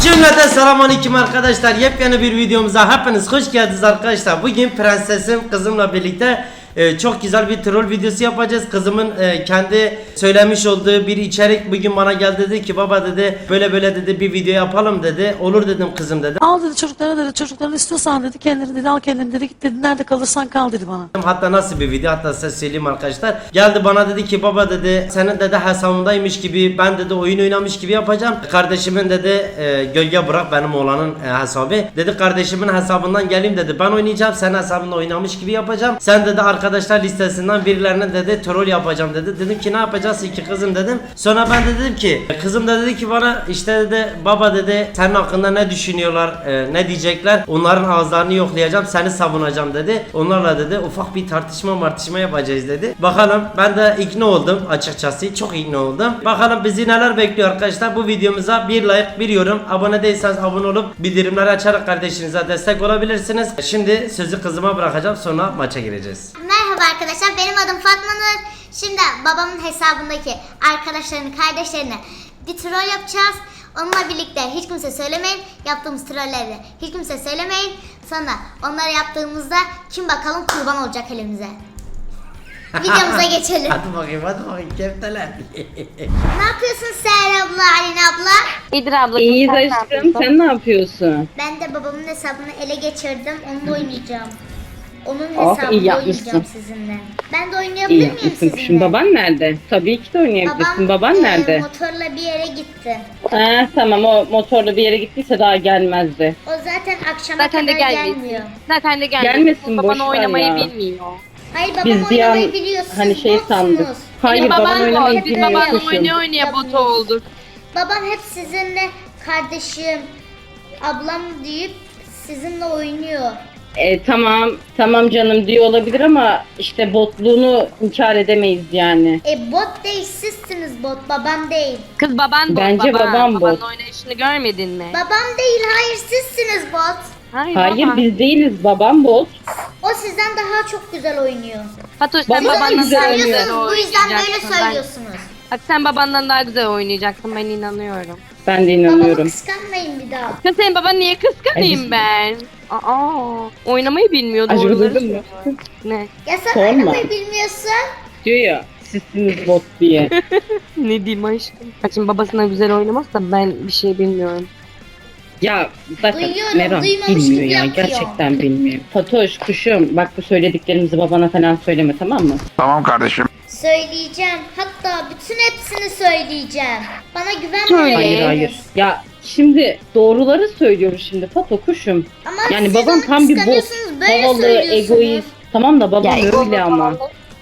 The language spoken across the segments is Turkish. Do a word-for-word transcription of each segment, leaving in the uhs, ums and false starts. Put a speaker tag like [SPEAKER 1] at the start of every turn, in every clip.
[SPEAKER 1] Cümleten selamünaleyküm arkadaşlar. Yepyeni bir videomuza hepiniz hoş geldiniz arkadaşlar. Bugün prensesim kızımla birlikte e, çok güzel bir troll videosu yapacağız. Kızımın e, kendi söylemiş olduğu bir içerik bugün bana geldi, dedi ki baba dedi böyle böyle dedi bir video yapalım dedi. Olur dedim kızım dedi.
[SPEAKER 2] Al dedi çocuklara dedi, çocuklarını istiyorsan dedi kendini dedi al kendini dedi git dedi nerede kalırsan kal dedi bana.
[SPEAKER 1] Hatta nasıl bir video, hatta size söyleyeyim arkadaşlar. Geldi bana dedi ki baba dedi senin dedi hesabındaymış gibi ben dedi oyun oynamış gibi yapacağım. Kardeşimin dedi e, gölge bırak benim oğlanın e, hesabı. Dedi kardeşimin hesabından geleyim dedi ben oynayacağım, senin hesabında oynamış gibi yapacağım. Sen dedi arkadaşlar listesinden birilerine dedi troll yapacağım dedi. Dedim ki ne yapacaksın ki kızım dedim. Sonra ben de dedim ki kızım da dedi ki bana işte dedi baba dedi senin hakkında ne düşünüyorlar, e, ne diyecekler, onların ağızlarını yoklayacağım, seni savunacağım dedi. Onlarla dedi ufak bir tartışma martışma yapacağız dedi. Bakalım, ben de ikna oldum açıkçası, çok ikna oldum. Bakalım bizi neler bekliyor arkadaşlar. Bu videomuza bir like, bir yorum, abone değilseniz abone olup bildirimleri açarak kardeşinize destek olabilirsiniz. Şimdi sözü kızıma bırakacağım, sonra maça gireceğiz.
[SPEAKER 3] Merhaba arkadaşlar, benim adım Fatma Nur. Şimdi babamın hesabındaki arkadaşlarını, kardeşlerini bir troll yapacağız. Onunla birlikte hiç kimse söylemeyin. Yaptığımız trolleri hiç kimse söylemeyin. Sonra onları yaptığımızda kim bakalım kurban olacak elimize. Videomuza geçelim.
[SPEAKER 1] Hadi bakayım, hadi bakayım kefteler.
[SPEAKER 3] Ne yapıyorsun Seher abla, Alin abla?
[SPEAKER 4] İyidir abla.
[SPEAKER 5] İyiyiz
[SPEAKER 4] sen ne
[SPEAKER 5] aşkım,
[SPEAKER 4] yapıyorsun?
[SPEAKER 5] sen ne yapıyorsun?
[SPEAKER 3] Ben de babamın hesabını ele geçirdim. Onunla oynayacağım. Onun
[SPEAKER 5] Oh,
[SPEAKER 3] hesabında
[SPEAKER 5] iyi yapmışsın.
[SPEAKER 3] oynayacağım sizinle. Ben de oynayabilir
[SPEAKER 5] İyi
[SPEAKER 3] miyim
[SPEAKER 5] yapmışsın
[SPEAKER 3] sizinle?
[SPEAKER 5] kuşum. Baban nerede? Tabii ki de oynayabilirsin. Baban
[SPEAKER 3] e,
[SPEAKER 5] nerede?
[SPEAKER 3] motorla bir yere gitti.
[SPEAKER 5] Ha, tamam, o motorla bir yere gittiyse daha gelmezdi.
[SPEAKER 3] O zaten akşama
[SPEAKER 4] Zaten de
[SPEAKER 3] kadar
[SPEAKER 4] gelmesin.
[SPEAKER 3] gelmiyor.
[SPEAKER 4] Zaten de gelmesin.
[SPEAKER 5] Gelmesin,
[SPEAKER 4] Baban
[SPEAKER 5] boş ver
[SPEAKER 4] oynamayı
[SPEAKER 5] ya.
[SPEAKER 4] bilmiyor.
[SPEAKER 3] Hayır babam
[SPEAKER 5] Biz bir an
[SPEAKER 3] oynamayı biliyor. Siz
[SPEAKER 5] hani şey
[SPEAKER 3] botsunuz.
[SPEAKER 5] sandık. Hayır,
[SPEAKER 4] Benim
[SPEAKER 5] baban
[SPEAKER 4] babam
[SPEAKER 5] oynamayı
[SPEAKER 4] bot. Biz
[SPEAKER 5] bilmiyor
[SPEAKER 4] babanla
[SPEAKER 5] kuşum.
[SPEAKER 4] oynaya oynaya bot olduk.
[SPEAKER 3] Babam hep sizinle kardeşim, ablam deyip sizinle oynuyor.
[SPEAKER 5] E, tamam, tamam canım diyor olabilir ama işte botluğunu inkar edemeyiz yani.
[SPEAKER 3] E bot değil, sizsiniz bot, babam değil.
[SPEAKER 4] Kız baban bot.
[SPEAKER 5] Bence
[SPEAKER 4] baban.
[SPEAKER 5] babam
[SPEAKER 4] Babanın
[SPEAKER 5] bot.
[SPEAKER 4] oynayışını görmedin mi?
[SPEAKER 3] Babam değil, hayır sizsiniz bot.
[SPEAKER 4] Hayır,
[SPEAKER 5] Hayır,
[SPEAKER 4] baba.
[SPEAKER 5] biz değiliz, babam bot.
[SPEAKER 3] O sizden daha çok güzel oynuyor.
[SPEAKER 4] Fatoş
[SPEAKER 5] Baba
[SPEAKER 4] sen
[SPEAKER 3] Siz
[SPEAKER 5] da
[SPEAKER 4] babandan
[SPEAKER 3] onu
[SPEAKER 5] güzel
[SPEAKER 4] daha
[SPEAKER 5] oynuyor.
[SPEAKER 4] güzel
[SPEAKER 3] söylüyorsunuz, bu yüzden böyle
[SPEAKER 4] oynayacaksın. Ben-
[SPEAKER 3] söylüyorsunuz.
[SPEAKER 4] Bak sen babandan daha güzel oynayacaksın, ben inanıyorum.
[SPEAKER 5] Ben de
[SPEAKER 3] Babamı
[SPEAKER 5] inanıyorum.
[SPEAKER 3] kıskanmayın bir daha.
[SPEAKER 4] Ya senin baban niye
[SPEAKER 5] Ay,
[SPEAKER 4] kıskanayım
[SPEAKER 5] biz-
[SPEAKER 4] ben? Aa, oynamayı bilmiyor,
[SPEAKER 5] Acaba
[SPEAKER 4] doğruları
[SPEAKER 5] duydun mu?
[SPEAKER 4] söylüyor. Ne?
[SPEAKER 3] Ya sen
[SPEAKER 5] Sorma.
[SPEAKER 3] oynamayı bilmiyorsun.
[SPEAKER 5] Diyor ya, sizsiniz bot diye.
[SPEAKER 4] Ne diyeyim aşkım? Ha, şimdi babasına güzel oynamazsa ben bir şey bilmiyorum.
[SPEAKER 5] Ya bakın
[SPEAKER 3] Duyuyorum,
[SPEAKER 5] Meral
[SPEAKER 3] duymamış
[SPEAKER 5] bilmiyor
[SPEAKER 3] gibi
[SPEAKER 5] ya,
[SPEAKER 3] yapıyor.
[SPEAKER 5] gerçekten bilmiyor. Fatoş kuşum, bak bu söylediklerimizi babana falan söyleme, tamam mı?
[SPEAKER 6] Tamam kardeşim.
[SPEAKER 3] Söyleyeceğim. Hatta bütün hepsini söyleyeceğim. Bana
[SPEAKER 4] Söyle.
[SPEAKER 3] güvenmiyorsunuz.
[SPEAKER 5] Hayır hayır. Ya şimdi doğruları söylüyoruz şimdi Fato kuşum.
[SPEAKER 3] Ama
[SPEAKER 5] Yani
[SPEAKER 3] siz
[SPEAKER 5] baban
[SPEAKER 3] onu
[SPEAKER 5] tam bir bot,
[SPEAKER 3] kıskanıyorsunuz, böyle
[SPEAKER 5] havalı,
[SPEAKER 3] söylüyorsunuz.
[SPEAKER 5] egoist. Tamam da babam
[SPEAKER 4] Ya,
[SPEAKER 5] öyle ama.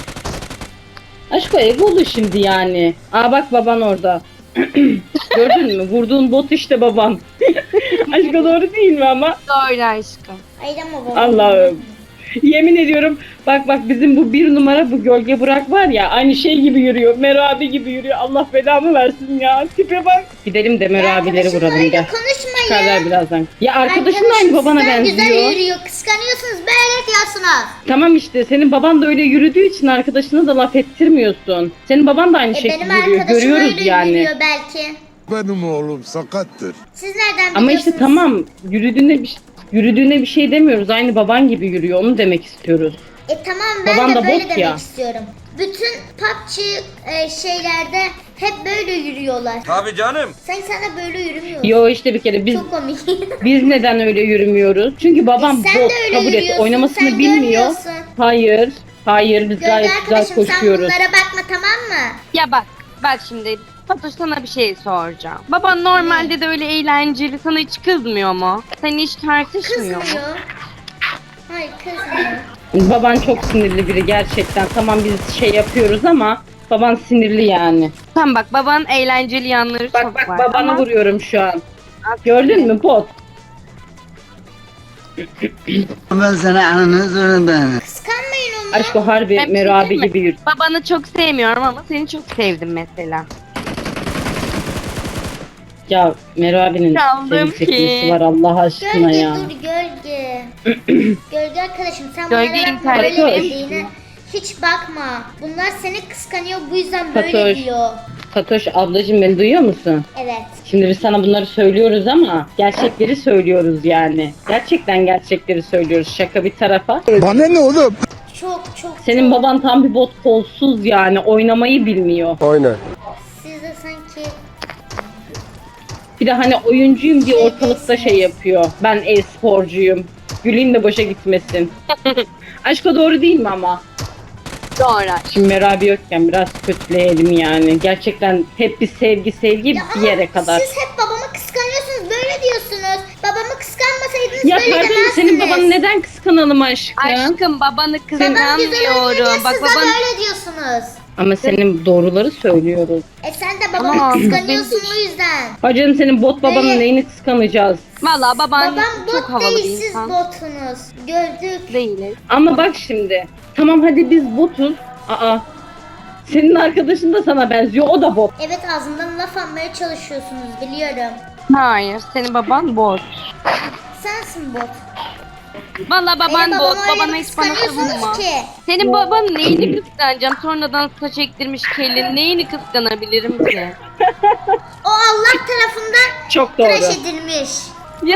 [SPEAKER 5] Aşk o egolu şimdi yani. Aa bak baban orada. Gördün mü? Vurduğun bot işte baban. Aşk o doğru değil mi ama?
[SPEAKER 4] Doğru aşkım.
[SPEAKER 3] Hayır ama babam.
[SPEAKER 5] Allah'ım. Yemin ediyorum bak bak bizim bu bir numara bu gölge bırak var ya aynı şey gibi yürüyor. Mero abi gibi yürüyor. Allah belamı versin ya. Tipe bak. Gidelim de Mero
[SPEAKER 3] Ya
[SPEAKER 5] abileri
[SPEAKER 3] arkadaşımla
[SPEAKER 5] vuralım
[SPEAKER 3] öyle
[SPEAKER 5] gel.
[SPEAKER 3] konuşmayın.
[SPEAKER 5] Çıkarlar birazdan. Ya arkadaşın da aynı
[SPEAKER 3] Arkadaşım
[SPEAKER 5] babana
[SPEAKER 3] sizden güzel
[SPEAKER 5] benziyor.
[SPEAKER 3] yürüyor. Kıskanıyorsunuz, böyle diyorsunuz.
[SPEAKER 5] Tamam işte senin baban da öyle yürüdüğü için arkadaşına da laf ettirmiyorsun. Senin baban da aynı
[SPEAKER 3] E
[SPEAKER 5] şekilde
[SPEAKER 3] benim
[SPEAKER 5] yürüyor.
[SPEAKER 3] arkadaşım
[SPEAKER 5] Görüyoruz
[SPEAKER 3] öyle
[SPEAKER 5] yani.
[SPEAKER 3] yürüyor belki.
[SPEAKER 7] Benim oğlum sakattır.
[SPEAKER 3] Siz nereden biliyorsunuz?
[SPEAKER 5] Ama işte tamam yürüdüğüne bir yürüdüğüne bir şey demiyoruz. Aynı baban gibi yürüyor. Onu demek istiyoruz.
[SPEAKER 3] E tamam ben
[SPEAKER 5] Baban
[SPEAKER 3] de
[SPEAKER 5] da
[SPEAKER 3] böyle
[SPEAKER 5] bot
[SPEAKER 3] demek
[SPEAKER 5] ya.
[SPEAKER 3] istiyorum. Bütün P U B G e, şeylerde hep böyle yürüyorlar.
[SPEAKER 6] Tabii canım.
[SPEAKER 3] Sen sana böyle yürümüyorsun.
[SPEAKER 5] Yo işte bir kere biz
[SPEAKER 3] Çok komik.
[SPEAKER 5] biz neden öyle yürümüyoruz? Çünkü babam
[SPEAKER 3] E sen
[SPEAKER 5] bot
[SPEAKER 3] de öyle
[SPEAKER 5] kabul et.
[SPEAKER 3] yürüyorsun,
[SPEAKER 5] Oynamasını
[SPEAKER 3] sen
[SPEAKER 5] bilmiyor.
[SPEAKER 3] görmüyorsun.
[SPEAKER 5] Hayır. Hayır biz
[SPEAKER 3] Gölge
[SPEAKER 5] gayet güzel
[SPEAKER 3] arkadaşım sen
[SPEAKER 5] koşuyoruz.
[SPEAKER 3] bunlara bakma, tamam mı?
[SPEAKER 4] Ya bak, bak şimdi Fatoş sana bir şey soracağım. Baban normalde de öyle eğlenceli, sana hiç kızmıyor mu? Sen hiç tartışmıyor mu?
[SPEAKER 3] Kızmıyor. Hayır kızmıyor.
[SPEAKER 5] Baban çok sinirli biri gerçekten. Tamam biz şey yapıyoruz ama baban sinirli yani.
[SPEAKER 4] Tamam bak, babanın eğlenceli yanları
[SPEAKER 5] Bak
[SPEAKER 4] çok
[SPEAKER 5] bak
[SPEAKER 4] var.
[SPEAKER 5] babanı
[SPEAKER 4] ama-
[SPEAKER 5] vuruyorum şu an. Gördün mü bot?
[SPEAKER 8] Ben sana ananı zorundayım.
[SPEAKER 3] Kıskanmayın onu.
[SPEAKER 5] Aşk o harbi
[SPEAKER 4] Ben bir şey
[SPEAKER 5] Mero abi
[SPEAKER 4] diyeyim mi?
[SPEAKER 5] gibi yürü.
[SPEAKER 4] Babanı çok sevmiyorum ama seni çok sevdim mesela.
[SPEAKER 5] Ya Mero abinin
[SPEAKER 4] Çaldım
[SPEAKER 5] sevgi
[SPEAKER 4] ki.
[SPEAKER 5] çekmesi var Allah aşkına
[SPEAKER 3] Gölge
[SPEAKER 5] ya.
[SPEAKER 3] dur gölge. Gölge arkadaşım sen
[SPEAKER 4] Gölge
[SPEAKER 3] bunlara bakma,
[SPEAKER 4] internette
[SPEAKER 3] böyle
[SPEAKER 5] Fatoş.
[SPEAKER 3] dediğine hiç bakma. Bunlar seni kıskanıyor, bu yüzden böyle
[SPEAKER 5] Fatoş.
[SPEAKER 3] diyor.
[SPEAKER 5] Fatoş ablacığım beni duyuyor musun?
[SPEAKER 3] Evet.
[SPEAKER 5] Şimdi biz sana bunları söylüyoruz ama gerçekleri söylüyoruz yani. Gerçekten gerçekleri söylüyoruz. Şaka bir tarafa.
[SPEAKER 7] Bana ne oğlum?
[SPEAKER 3] Çok çok
[SPEAKER 5] Senin
[SPEAKER 3] çok.
[SPEAKER 5] baban tam bir bot kolsuz yani. Oynamayı bilmiyor.
[SPEAKER 7] Aynen.
[SPEAKER 3] Siz de sanki
[SPEAKER 5] Bir de hani oyuncuyum diye ortalıkta şey yapıyor. Ben e-sporcuyum. Güleyim de boşa gitmesin. Aşka doğru değil mi ama?
[SPEAKER 4] Doğru.
[SPEAKER 5] Şimdi Merabi yokken biraz kötüleyelim yani. Gerçekten hep bir sevgi sevgi
[SPEAKER 3] Ya
[SPEAKER 5] bir
[SPEAKER 3] ama
[SPEAKER 5] yere kadar.
[SPEAKER 3] siz hep babamı kıskanıyorsunuz. Böyle diyorsunuz. Babamı kıskanmasaydınız
[SPEAKER 5] Ya
[SPEAKER 3] böyle
[SPEAKER 5] pardon
[SPEAKER 3] demezdiniz.
[SPEAKER 5] senin babanı neden kıskanalım aşkım?
[SPEAKER 4] Aşkım babanı
[SPEAKER 3] Babam güzel oynuyor diye
[SPEAKER 4] kıskanmıyorum. Bak
[SPEAKER 3] siz de
[SPEAKER 4] baban
[SPEAKER 3] böyle diyorsunuz.
[SPEAKER 5] Ama senin doğruları söylüyoruz.
[SPEAKER 3] E sen de babamı
[SPEAKER 4] Ama
[SPEAKER 3] kıskanıyorsun
[SPEAKER 4] biz-
[SPEAKER 3] o yüzden.
[SPEAKER 5] Hacım senin bot babanın
[SPEAKER 3] Böyle-
[SPEAKER 5] neyini kıskanacağız?
[SPEAKER 4] valla baban
[SPEAKER 3] Babam
[SPEAKER 4] çok
[SPEAKER 3] bot
[SPEAKER 4] havalı
[SPEAKER 3] değil
[SPEAKER 4] bir
[SPEAKER 3] siz
[SPEAKER 4] insan.
[SPEAKER 3] botunuz. Gördük.
[SPEAKER 4] Değiliz.
[SPEAKER 5] Ama bak şimdi. Tamam hadi biz botuz. Aa. Senin arkadaşın da sana benziyor. O da bot.
[SPEAKER 3] Evet ağzımdan laf almaya çalışıyorsunuz biliyorum.
[SPEAKER 4] Hayır senin baban bot.
[SPEAKER 3] Sensin bot.
[SPEAKER 4] Valla baban
[SPEAKER 3] Benim
[SPEAKER 4] bot.
[SPEAKER 3] babamı öyle
[SPEAKER 4] Babana
[SPEAKER 3] bir
[SPEAKER 4] hiç bana
[SPEAKER 3] kıskanıyorsunuz
[SPEAKER 4] savunma.
[SPEAKER 3] ki.
[SPEAKER 4] Senin babanın neyini kıskanacağım? Sonradan saç ektirmiş kelin. Neyini kıskanabilirim ki?
[SPEAKER 3] O Allah tarafından
[SPEAKER 5] Çok doğru.
[SPEAKER 3] tıraş edilmiş.
[SPEAKER 4] Ya.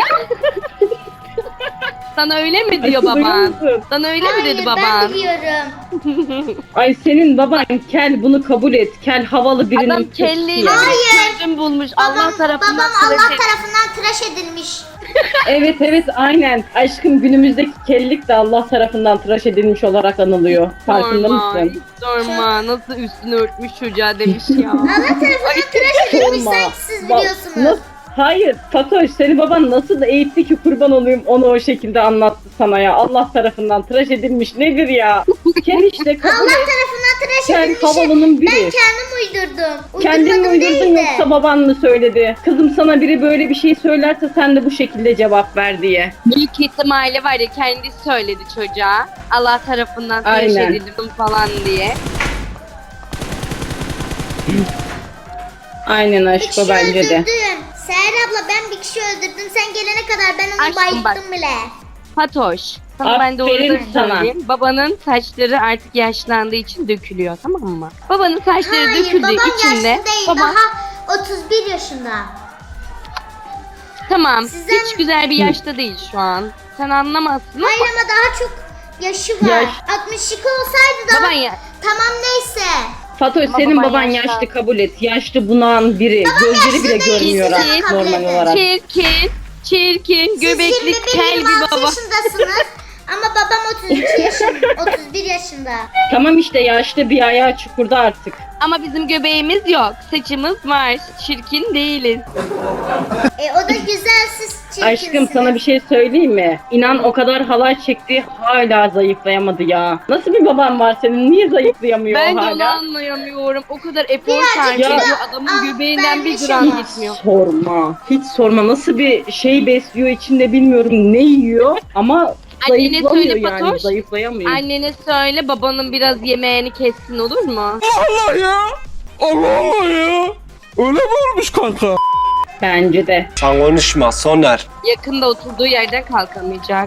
[SPEAKER 4] Sana öyle mi diyor
[SPEAKER 5] Aşkım, duyuyor
[SPEAKER 4] baban?
[SPEAKER 5] musun?
[SPEAKER 4] Sana öyle mi
[SPEAKER 3] Hayır
[SPEAKER 4] dedi
[SPEAKER 3] ben
[SPEAKER 4] baban?
[SPEAKER 3] biliyorum.
[SPEAKER 5] Ay senin baban kel bunu kabul et. Kel havalı birinin
[SPEAKER 4] Adam
[SPEAKER 5] kötüsü
[SPEAKER 4] kelliyle
[SPEAKER 5] yani.
[SPEAKER 3] Hayır.
[SPEAKER 4] çözüm bulmuş.
[SPEAKER 3] Babam,
[SPEAKER 4] Allah tarafından
[SPEAKER 3] babam
[SPEAKER 4] tıraş
[SPEAKER 3] Allah
[SPEAKER 4] et-
[SPEAKER 3] tarafından tıraş edilmiş.
[SPEAKER 5] Evet evet aynen. Aşkım günümüzdeki kellik de Allah tarafından tıraş edilmiş olarak anılıyor. Farkında
[SPEAKER 4] Sorma,
[SPEAKER 5] mısın?
[SPEAKER 4] hiç sorma. Nasıl üstünü örtmüş çocuğa demiş ya.
[SPEAKER 3] Allah tarafından tıraş edilmiş
[SPEAKER 5] Sorma.
[SPEAKER 3] sanki siz
[SPEAKER 5] Bak,
[SPEAKER 3] biliyorsunuz.
[SPEAKER 5] nasıl- Hayır Fatoş senin baban nasıl da eğitti ki kurban olayım onu o şekilde anlattı sana ya. Allah tarafından tıraş edilmiş nedir ya? Kel işte kabul
[SPEAKER 3] Allah
[SPEAKER 5] et.
[SPEAKER 3] tarafından tıraş
[SPEAKER 5] Kel
[SPEAKER 3] edilmişi
[SPEAKER 5] havalının
[SPEAKER 3] ben
[SPEAKER 5] biri.
[SPEAKER 3] kendim uydurdum.
[SPEAKER 5] Kendin mi
[SPEAKER 3] Uydurmadım
[SPEAKER 5] uydurdun
[SPEAKER 3] değil de.
[SPEAKER 5] yoksa baban mı söyledi? Kızım sana biri böyle bir şey söylerse sen de bu şekilde cevap ver diye.
[SPEAKER 4] Büyük ihtimalle var ya kendisi söyledi çocuğa. Allah tarafından tıraş
[SPEAKER 5] Aynen.
[SPEAKER 4] edildim falan diye.
[SPEAKER 5] Aynen
[SPEAKER 3] Bir
[SPEAKER 5] aşko
[SPEAKER 3] kişi
[SPEAKER 5] bence de.
[SPEAKER 3] öldürdüm. Seher abla ben bir kişi öldürdüm. Sen gelene kadar ben onu
[SPEAKER 4] Aşkım bak.
[SPEAKER 3] bayılttım bile.
[SPEAKER 4] Fatoş. Sana ben
[SPEAKER 5] Aferin
[SPEAKER 4] doğruları
[SPEAKER 5] sana.
[SPEAKER 4] söyleyeyim. Babanın saçları artık yaşlandığı için dökülüyor tamam mı? Babanın saçları
[SPEAKER 3] Hayır
[SPEAKER 4] döküldüğü
[SPEAKER 3] babam
[SPEAKER 4] için de
[SPEAKER 3] yaşlı değil.
[SPEAKER 4] baban
[SPEAKER 3] Daha otuz bir yaşında.
[SPEAKER 4] tamam
[SPEAKER 3] Sizden-
[SPEAKER 4] hiç güzel bir yaşta değil şu an. Sen anlamazsın ama
[SPEAKER 3] Hayır ama daha çok yaşı var.
[SPEAKER 5] Yaş-
[SPEAKER 3] altmış iki olsaydı da
[SPEAKER 4] baban ya.
[SPEAKER 3] tamam neyse.
[SPEAKER 5] Fatoş
[SPEAKER 4] Ama
[SPEAKER 5] senin
[SPEAKER 4] baban
[SPEAKER 5] baban
[SPEAKER 4] yaşlı.
[SPEAKER 5] yaşlı kabul et. Yaşlı bunağın biri. Gözleri bile
[SPEAKER 3] yaşlı değil,
[SPEAKER 5] görmüyor
[SPEAKER 3] siz
[SPEAKER 5] artık
[SPEAKER 3] onu kabul
[SPEAKER 5] normal
[SPEAKER 3] edin.
[SPEAKER 5] olarak.
[SPEAKER 4] Çirkin, çirkin,
[SPEAKER 3] Siz
[SPEAKER 4] göbekli,
[SPEAKER 3] yirmi bir
[SPEAKER 4] kel
[SPEAKER 3] yirmi
[SPEAKER 4] bir
[SPEAKER 3] altı
[SPEAKER 4] baba.
[SPEAKER 3] yaşındasınız. Ama babam otuz iki yaşında. otuz bir yaşında.
[SPEAKER 5] Tamam işte yaşlı bir ayağı çukurda artık.
[SPEAKER 4] Ama bizim göbeğimiz yok. Saçımız var. Çirkin değiliz.
[SPEAKER 3] E o da güzel siz çirkinsiniz.
[SPEAKER 5] Aşkım sana bir şey söyleyeyim mi? İnan o kadar halay çekti hala zayıflayamadı ya. Nasıl bir baban var senin? Niye zayıflayamıyor
[SPEAKER 4] Ben
[SPEAKER 5] o
[SPEAKER 4] de onu
[SPEAKER 5] hala?
[SPEAKER 4] anlayamıyorum. O kadar efor
[SPEAKER 3] Birazcık
[SPEAKER 4] sarf
[SPEAKER 5] kilo
[SPEAKER 4] ediyor. Adamın
[SPEAKER 3] al
[SPEAKER 4] göbeğinden bir
[SPEAKER 3] vermiş
[SPEAKER 4] gram
[SPEAKER 3] ama.
[SPEAKER 4] gitmiyor.
[SPEAKER 5] Sorma. Hiç sorma. Nasıl bir şey besliyor içinde bilmiyorum ne yiyor ama
[SPEAKER 4] Annene
[SPEAKER 5] zayıflamıyor
[SPEAKER 4] söyle
[SPEAKER 5] yani.
[SPEAKER 4] Fatoş.
[SPEAKER 5] Zayıflayamıyor.
[SPEAKER 4] Annene söyle babanın biraz yemeğini kessin olur mu?
[SPEAKER 7] Allah ya. Allah Allah ya. Öyle mi olmuş kanka?
[SPEAKER 5] Bence de.
[SPEAKER 1] Sen konuşma Soner.
[SPEAKER 4] Yakında oturduğu yerden kalkamayacak.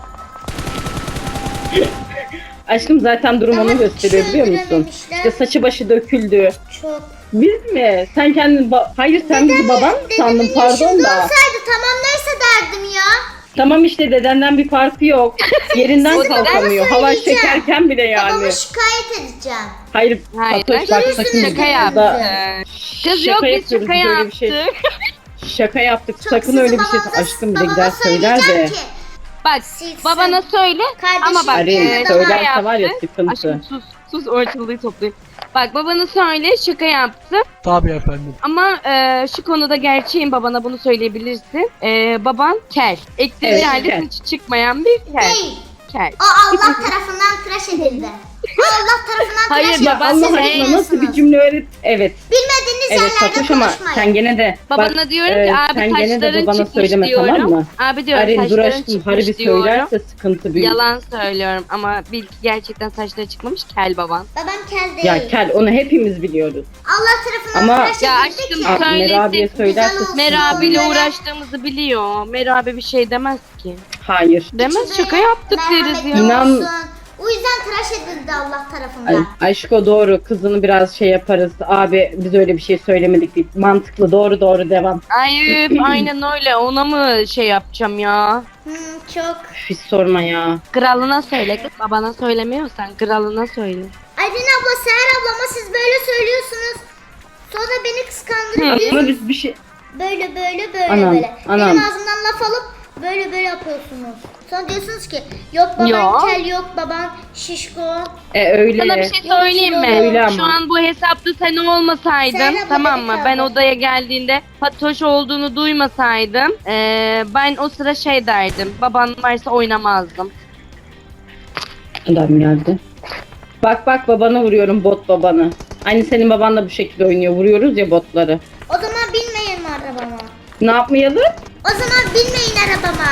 [SPEAKER 5] Aşkım zaten durum
[SPEAKER 3] Daha
[SPEAKER 5] onu gösteriyor
[SPEAKER 3] hiç
[SPEAKER 5] biliyor musun?
[SPEAKER 3] öldürememişler.
[SPEAKER 5] İşte saçı başı döküldü.
[SPEAKER 3] Çok.
[SPEAKER 5] Biz mi? Sen kendin ba- Hayır sen bizi baban mı sandın
[SPEAKER 3] Dedemin
[SPEAKER 5] pardon
[SPEAKER 3] yaşında
[SPEAKER 5] da.
[SPEAKER 3] olsaydı tamam neyse derdim ya.
[SPEAKER 5] Tamam işte dedenden bir farkı yok. Yerinden
[SPEAKER 3] Siz
[SPEAKER 5] kalkamıyor.
[SPEAKER 3] babama
[SPEAKER 5] Halay
[SPEAKER 3] söyleyeceğim.
[SPEAKER 5] çekerken bile yani.
[SPEAKER 3] Babamı şikayet edeceğim.
[SPEAKER 5] Hayır,
[SPEAKER 4] Hayır,
[SPEAKER 5] Fatoş bak
[SPEAKER 3] görürsünüz
[SPEAKER 5] sakın
[SPEAKER 3] şaka
[SPEAKER 4] yaptı.
[SPEAKER 5] burada-
[SPEAKER 4] Kız
[SPEAKER 5] Şaka
[SPEAKER 4] yok biz
[SPEAKER 5] yapıyoruz,
[SPEAKER 4] şaka
[SPEAKER 5] biz öyle bir
[SPEAKER 4] yaptık.
[SPEAKER 5] şey- Şaka yaptık.
[SPEAKER 3] Çok
[SPEAKER 5] sakın
[SPEAKER 3] sizin
[SPEAKER 5] öyle bir şey.
[SPEAKER 3] babanıza-
[SPEAKER 5] Aşkım bize
[SPEAKER 3] babama
[SPEAKER 5] gider söyler de.
[SPEAKER 3] söyleyeceğim ki,
[SPEAKER 4] Bak
[SPEAKER 3] Silsin.
[SPEAKER 4] babana söyle
[SPEAKER 3] Kardeşim
[SPEAKER 4] ama bak
[SPEAKER 5] Arayın,
[SPEAKER 3] yanında
[SPEAKER 4] e,
[SPEAKER 3] da
[SPEAKER 5] söylerse
[SPEAKER 4] şaka
[SPEAKER 5] var ya
[SPEAKER 4] yaptı.
[SPEAKER 5] sıkıntı.
[SPEAKER 4] Aşkım sus sus ortalığı toplayayım. Bak babana söyle şaka yaptı.
[SPEAKER 6] Tabii efendim.
[SPEAKER 4] Ama e, şu konuda gerçeğin babana bunu söyleyebilirsin. E, baban kel. Ektiği
[SPEAKER 5] Evet,
[SPEAKER 4] yerde
[SPEAKER 5] kel.
[SPEAKER 4] saçı çıkmayan bir kel.
[SPEAKER 3] Değil.
[SPEAKER 4] Kel.
[SPEAKER 3] O Allah tarafından tıraş edildi. O Allah tarafından
[SPEAKER 4] Hayır,
[SPEAKER 3] tıraş edildi.
[SPEAKER 4] baban
[SPEAKER 3] Siz
[SPEAKER 5] Allah
[SPEAKER 4] sen
[SPEAKER 5] aşkına nasıl bir
[SPEAKER 3] bilmiyorsunuz.
[SPEAKER 5] cümle öğret? Evet.
[SPEAKER 3] Bilmediğiniz
[SPEAKER 5] Evet
[SPEAKER 3] yerlerde
[SPEAKER 5] Fatoş ama
[SPEAKER 3] konuşmayın.
[SPEAKER 5] sen gene de
[SPEAKER 4] Babana
[SPEAKER 5] bak,
[SPEAKER 4] diyorum
[SPEAKER 5] e,
[SPEAKER 4] ki abi
[SPEAKER 5] sen gene de
[SPEAKER 4] saçların
[SPEAKER 5] babana
[SPEAKER 4] çıkmış
[SPEAKER 5] söyleme
[SPEAKER 4] diyorum.
[SPEAKER 5] tamam mı?
[SPEAKER 4] Abi diyorum
[SPEAKER 5] Arin dur
[SPEAKER 4] saçların
[SPEAKER 5] aşkım
[SPEAKER 4] çıkmış
[SPEAKER 5] harbi
[SPEAKER 4] diyorum.
[SPEAKER 5] söylerse sıkıntı büyük.
[SPEAKER 4] Yalan söylüyorum ama bil ki gerçekten saçları çıkmamış kel baban.
[SPEAKER 3] Babam kel değil.
[SPEAKER 5] Ya kel onu hepimiz biliyoruz.
[SPEAKER 3] Allah tarafından
[SPEAKER 5] Ama-
[SPEAKER 3] tıraş
[SPEAKER 4] Ya
[SPEAKER 3] edildi
[SPEAKER 4] aşkım,
[SPEAKER 3] ki.
[SPEAKER 5] Aa,
[SPEAKER 4] söylesin,
[SPEAKER 5] Merabi'ye söylerse
[SPEAKER 3] güzel olsun.
[SPEAKER 4] Merabi'yle
[SPEAKER 3] Onlara-
[SPEAKER 4] uğraştığımızı biliyor. Merabi bir şey demez ki.
[SPEAKER 5] Hayır.
[SPEAKER 4] Demez
[SPEAKER 3] İçinde
[SPEAKER 4] şaka yaptık deriz
[SPEAKER 3] merhametli
[SPEAKER 4] ya.
[SPEAKER 5] İnan-
[SPEAKER 3] olsun. O yüzden tıraş barış edildi Allah tarafından.
[SPEAKER 5] Ay, aşko doğru, kızını biraz şey yaparız. Abi biz öyle bir şey söylemedik. Değil. Mantıklı, doğru doğru devam.
[SPEAKER 4] Ay aynen öyle. Ona mı şey yapacağım ya?
[SPEAKER 3] Hmm, çok.
[SPEAKER 5] Hiç sorma ya.
[SPEAKER 4] Kralına söyle kız. Babana söylemiyorsan kralına söyle.
[SPEAKER 3] Aydın abla, Seher ablama siz böyle söylüyorsunuz. Sonra beni kıskandırıyorsunuz.
[SPEAKER 5] Ama biz bir şey...
[SPEAKER 3] Böyle böyle böyle
[SPEAKER 5] Anam,
[SPEAKER 3] böyle.
[SPEAKER 5] anam.
[SPEAKER 3] Benim ağzımdan laf alıp böyle böyle yapıyorsunuz. Sonra diyorsunuz ki yok baban
[SPEAKER 4] Yok.
[SPEAKER 3] kel, yok baban şişko.
[SPEAKER 5] E öyle.
[SPEAKER 4] Sana bir şey söyleyeyim mi?
[SPEAKER 5] Öyle ama.
[SPEAKER 4] Şu an bu hesapta sen olmasaydın,
[SPEAKER 3] Sen abla
[SPEAKER 4] tamam
[SPEAKER 3] beni
[SPEAKER 4] mı?
[SPEAKER 3] kaldır.
[SPEAKER 4] Ben odaya geldiğinde Fatoş olduğunu duymasaydım, eee, ben o sıra şey derdim. Baban varsa oynamazdım.
[SPEAKER 5] Adam geldi. Bak bak babana vuruyorum, bot babanı. Aynı senin baban da bu şekilde oynuyor. Vuruyoruz ya botları.
[SPEAKER 3] O zaman binmeyin arabama.
[SPEAKER 5] Ne yapmayalım?
[SPEAKER 3] O zaman binmeyin arabama.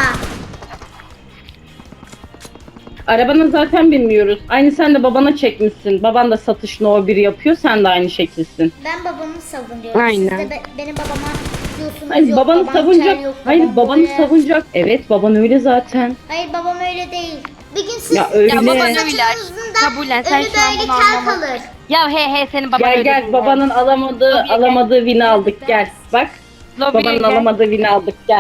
[SPEAKER 5] Arabana zaten bilmiyoruz. Aynı sen de babana çekmişsin. Baban da satış no bir yapıyor. Sen de aynı şekilsin.
[SPEAKER 3] Ben babamı savunuyorum.
[SPEAKER 4] Aynen.
[SPEAKER 3] Siz de be- benim babama diyorsunuz
[SPEAKER 5] Hayır
[SPEAKER 3] yok
[SPEAKER 5] babanı
[SPEAKER 3] babam
[SPEAKER 5] savunacak.
[SPEAKER 3] kel, yok
[SPEAKER 5] Hayır
[SPEAKER 3] babam
[SPEAKER 5] babanı
[SPEAKER 3] böyle.
[SPEAKER 5] savunacak. Evet baban öyle zaten.
[SPEAKER 3] Hayır babam öyle değil. Bir gün siz
[SPEAKER 5] Ya öyle.
[SPEAKER 4] Ya baban öyle.
[SPEAKER 3] saçınızın da
[SPEAKER 4] Kabullen, sen
[SPEAKER 3] önü
[SPEAKER 4] şu an
[SPEAKER 3] böyle
[SPEAKER 4] bunu
[SPEAKER 3] kel
[SPEAKER 4] anlamadın.
[SPEAKER 3] kalır.
[SPEAKER 4] Ya he he senin baban
[SPEAKER 5] Gel
[SPEAKER 4] öyle
[SPEAKER 5] gel
[SPEAKER 4] değil.
[SPEAKER 5] babanın alamadığı
[SPEAKER 4] Lobiye gel.
[SPEAKER 5] alamadığı win'i aldık gel. Bak
[SPEAKER 4] Lobiye
[SPEAKER 5] babanın
[SPEAKER 4] gel.
[SPEAKER 5] alamadığı win'i aldık gel.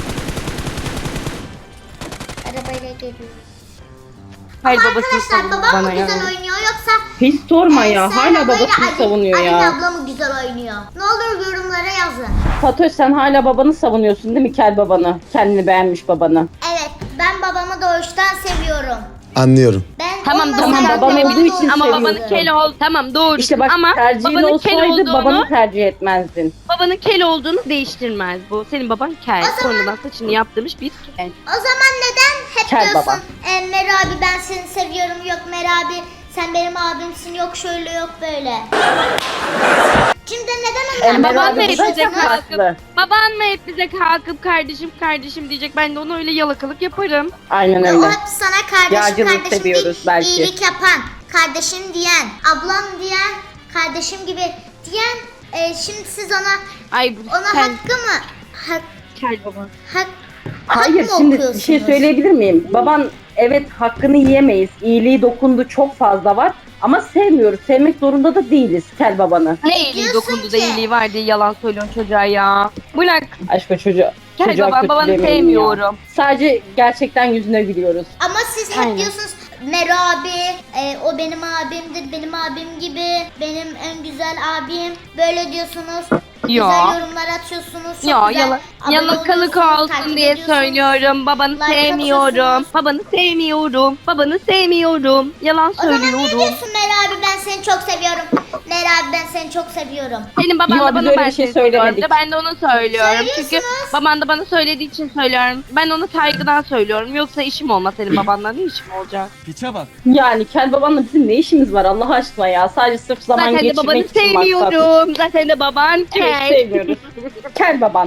[SPEAKER 3] Arabayla geliyor.
[SPEAKER 4] Hayır
[SPEAKER 3] Ama
[SPEAKER 4] babasını
[SPEAKER 3] arkadaşlar
[SPEAKER 4] savundu
[SPEAKER 3] babam mı
[SPEAKER 4] bana ya.
[SPEAKER 3] güzel oynuyor yoksa
[SPEAKER 5] Hiç sorma
[SPEAKER 3] e,
[SPEAKER 5] ya.
[SPEAKER 3] Seher
[SPEAKER 5] Hala
[SPEAKER 3] ablayla
[SPEAKER 5] babasını
[SPEAKER 3] Ali-
[SPEAKER 5] savunuyor
[SPEAKER 3] Ali
[SPEAKER 5] ya.
[SPEAKER 3] abla mı güzel oynuyor? Ne olur yorumlara yazın.
[SPEAKER 5] Fatoş sen hala babanı savunuyorsun değil mi kel babanı? Kendini beğenmiş babanı.
[SPEAKER 3] Evet, ben babamı doğuştan seviyorum.
[SPEAKER 6] Anlıyorum.
[SPEAKER 3] Ben
[SPEAKER 4] Tamam,
[SPEAKER 3] olmasaydım
[SPEAKER 5] tamam, babam
[SPEAKER 3] babamı
[SPEAKER 5] olduğu için
[SPEAKER 4] Ama
[SPEAKER 5] seviyorsun.
[SPEAKER 4] babanın kel ol. Tamam doğru.
[SPEAKER 5] İşte bak
[SPEAKER 4] ama
[SPEAKER 5] tercihin
[SPEAKER 4] babanın kel
[SPEAKER 5] olsaydı
[SPEAKER 4] olduğunu,
[SPEAKER 5] babanı tercih etmezdin.
[SPEAKER 4] babanın kel olduğunu değiştirmez bu. Senin baban kel. Sonradan saçını yaptırmış bir kel.
[SPEAKER 3] O zaman neden hep
[SPEAKER 5] Kel
[SPEAKER 3] diyorsun
[SPEAKER 5] baba.
[SPEAKER 3] e, Mer abi ben seni seviyorum, yok Mer abi sen benim abimsin, yok şöyle yok böyle. Şimdi neden onlar
[SPEAKER 5] Emre
[SPEAKER 4] baban
[SPEAKER 5] abi
[SPEAKER 4] da hep
[SPEAKER 5] bu
[SPEAKER 4] bize
[SPEAKER 5] zaten
[SPEAKER 4] kalkıp,
[SPEAKER 5] haklı.
[SPEAKER 4] baban mı hep bize kalkıp kardeşim kardeşim diyecek. Ben de ona öyle yalakalık yaparım.
[SPEAKER 5] Aynen
[SPEAKER 3] O
[SPEAKER 5] öyle.
[SPEAKER 3] hep sana kardeşim
[SPEAKER 5] Yağcılık
[SPEAKER 3] kardeşim
[SPEAKER 5] seviyoruz
[SPEAKER 3] değil,
[SPEAKER 5] belki.
[SPEAKER 3] iyilik yapan, kardeşim diyen, ablam diyen, kardeşim gibi diyen, e, şimdi siz ona
[SPEAKER 4] Ay
[SPEAKER 3] ona
[SPEAKER 4] sen
[SPEAKER 3] hakkı mı? Hak,
[SPEAKER 4] kel baba.
[SPEAKER 3] hak, hak
[SPEAKER 5] Hayır
[SPEAKER 3] mı
[SPEAKER 5] şimdi bir şey
[SPEAKER 3] okuyorsunuz?
[SPEAKER 5] söyleyebilir miyim? Baban evet hakkını yiyemeyiz. İyiliği dokundu çok fazla var. Ama sevmiyoruz. Sevmek zorunda da değiliz kel babanı.
[SPEAKER 4] Ne iyiliği
[SPEAKER 3] diyorsun
[SPEAKER 4] dokundu da
[SPEAKER 3] ki?
[SPEAKER 4] iyiliği var diye yalan söylüyorsun çocuğa ya. Bırak.
[SPEAKER 5] Aşkı çocuğu.
[SPEAKER 4] Kel
[SPEAKER 5] çocuğa
[SPEAKER 4] baban babanı
[SPEAKER 5] kötülemeyin ya.
[SPEAKER 4] sevmiyorum.
[SPEAKER 5] Sadece gerçekten yüzüne gülüyoruz.
[SPEAKER 3] Ama siz hep
[SPEAKER 4] Aynen.
[SPEAKER 3] diyorsunuz Mer abi, e, o benim abimdir, benim abim gibi, benim en güzel abim. Böyle diyorsunuz.
[SPEAKER 4] Yo.
[SPEAKER 3] Güzel yorumlar atıyorsunuz. Çok
[SPEAKER 4] Ya
[SPEAKER 3] güzel
[SPEAKER 4] yala,
[SPEAKER 3] abone
[SPEAKER 4] yalakalık
[SPEAKER 3] oluyorsunuz,
[SPEAKER 4] olsun
[SPEAKER 3] takip
[SPEAKER 4] diye
[SPEAKER 3] ediyorsunuz.
[SPEAKER 4] söylüyorum. Babanı
[SPEAKER 3] Like
[SPEAKER 4] sevmiyorum.
[SPEAKER 3] atıyorsunuz.
[SPEAKER 4] Babanı sevmiyorum. Babanı sevmiyorum. Yalan
[SPEAKER 3] O zaman niye
[SPEAKER 4] söylüyorum.
[SPEAKER 3] diyorsun Mer abi ben seni çok seviyorum. Mer abi ben seni çok seviyorum.
[SPEAKER 4] Senin baban
[SPEAKER 5] Yo,
[SPEAKER 4] da
[SPEAKER 5] biz
[SPEAKER 4] bana
[SPEAKER 5] öyle
[SPEAKER 4] ben
[SPEAKER 5] bir şey
[SPEAKER 4] seni seviyorum
[SPEAKER 5] söylemedik.
[SPEAKER 4] diyor. Ben de onu söylüyorum. Çünkü
[SPEAKER 3] Söylüyorsunuz.
[SPEAKER 4] baban da bana söylediği için söylüyorum. Ben onu saygıdan söylüyorum. Yoksa işim olmaz senin babanla. Ne işim olacak?
[SPEAKER 7] Piçe bak.
[SPEAKER 5] Yani kel babanla bizim ne işimiz var Allah aşkına ya. Sadece sırf zaman
[SPEAKER 4] Zaten de
[SPEAKER 5] geçirmek
[SPEAKER 4] babanı
[SPEAKER 5] için maksat.
[SPEAKER 4] sevmiyorum. Zaten de baban
[SPEAKER 5] Evet
[SPEAKER 4] kel.
[SPEAKER 5] sevmiyoruz. Kel baban.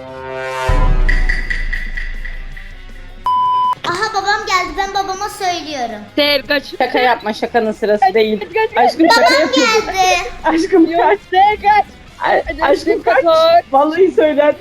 [SPEAKER 3] Aha babam geldi, ben babama söylüyorum.
[SPEAKER 4] Sev kaç.
[SPEAKER 5] Şaka yapma, şakanın sırası değil. Aşkım şaka
[SPEAKER 3] Babam
[SPEAKER 5] yapıyorsun.
[SPEAKER 3] geldi.
[SPEAKER 5] Aşkım kaç.
[SPEAKER 4] kaç.
[SPEAKER 5] A- Aşkım kaç. Vallahi söyler.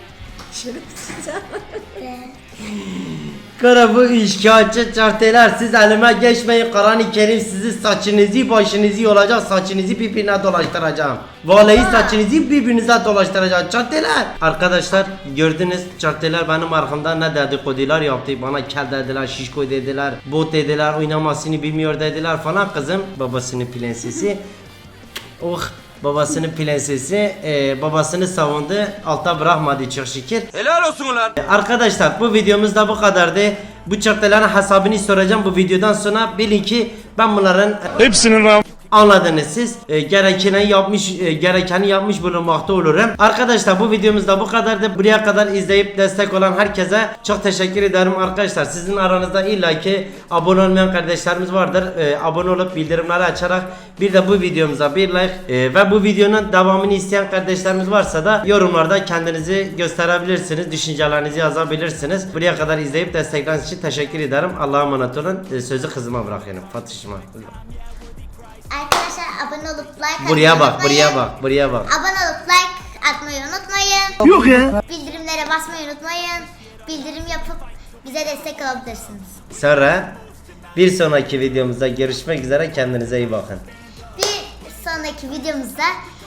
[SPEAKER 1] Kara bu işgalci çarteler siz elime geçmeyin. Kur'an-ı Kerim sizi saçınızı başınızı yolacak, saçınızı birbirine dolaştıracağım. Vallahi saçınızı birbirinize dolaştıracağım çarteler. Arkadaşlar gördünüz çarteler benim arkamda ne dedikodular yaptı. Bana kel dediler, şişko dediler, bot dediler, oynamasını bilmiyor dediler falan. Kızım babasının prensesi. Oh babasının prensesi e, babasını savundu, alta bırakmadı çok şükür.
[SPEAKER 7] Helal olsun ulan.
[SPEAKER 1] Arkadaşlar bu videomuz da bu kadardı. Bu çarkların hesabını soracağım bu videodan sonra. Bilin ki ben bunların
[SPEAKER 7] Hepsinin ram.
[SPEAKER 1] anladınız siz. E, gerekeni yapmış e, gerekeni yapmış bulunmakta olurum. Arkadaşlar bu videomuz da bu kadardı. Buraya kadar izleyip destek olan herkese çok teşekkür ederim arkadaşlar. Sizin aranızda illaki abone olmayan kardeşlerimiz vardır. E, abone olup bildirimleri açarak bir de bu videomuza bir like e, ve bu videonun devamını isteyen kardeşlerimiz varsa da yorumlarda kendinizi gösterebilirsiniz. Düşüncelerinizi yazabilirsiniz. Buraya kadar izleyip destekleriniz için teşekkür ederim. Allah'a emanet olun. E, sözü kızıma bırakıyorum. Fatış'ıma.
[SPEAKER 3] Arkadaşlar abone olup like atmayı
[SPEAKER 1] Buraya bak,
[SPEAKER 3] unutmayın.
[SPEAKER 1] buraya bak, buraya bak.
[SPEAKER 3] Abone olup like atmayı unutmayın.
[SPEAKER 6] Yok ya.
[SPEAKER 3] Bildirimlere basmayı unutmayın. Bildirim yapıp bize destek olabilirsiniz.
[SPEAKER 1] Sonra Bir sonraki videomuzda görüşmek üzere, kendinize iyi bakın.
[SPEAKER 3] Bir sonraki videomuzda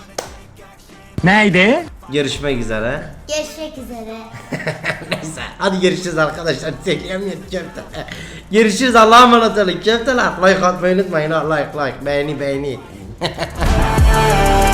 [SPEAKER 7] Neydi?
[SPEAKER 1] Görüşmek üzere.
[SPEAKER 3] görüşmek üzere.
[SPEAKER 1] Neyse hadi görüşürüz arkadaşlar. Çekemiyorum köfte. Görüşürüz, Allah'a emanet olun köfteler. Like atmayı unutmayın ha, like like beğeni beğeni.